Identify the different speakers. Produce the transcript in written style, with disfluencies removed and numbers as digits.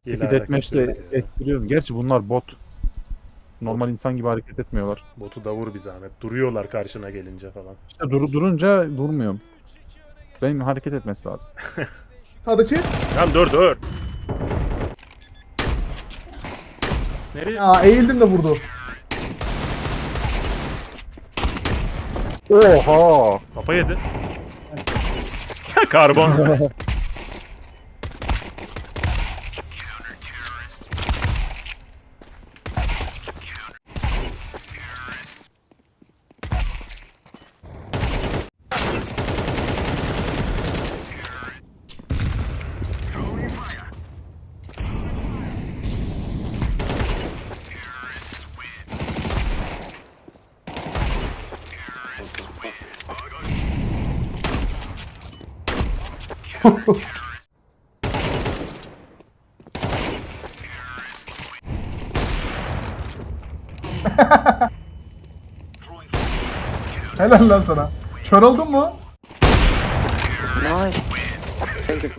Speaker 1: Hile
Speaker 2: Speed
Speaker 1: alakası
Speaker 2: Deathmatch'te
Speaker 1: yok ya.
Speaker 2: estiriyoruz. Gerçi bunlar bot. Normal insan gibi hareket etmiyorlar.
Speaker 1: Botu da vur bir zahmet. Duruyorlar karşına gelince falan.
Speaker 2: İşte durunca durmuyorum. Benim hareket etmesi lazım.
Speaker 3: Sağdaki.
Speaker 1: Lan dur. Nereye?
Speaker 3: Ya eğildim de vurdu.
Speaker 2: Oha!
Speaker 1: Kafa yedi. Karbon.
Speaker 3: Helal lan sana. Kör oldun mu?
Speaker 4: Nice. Thank you.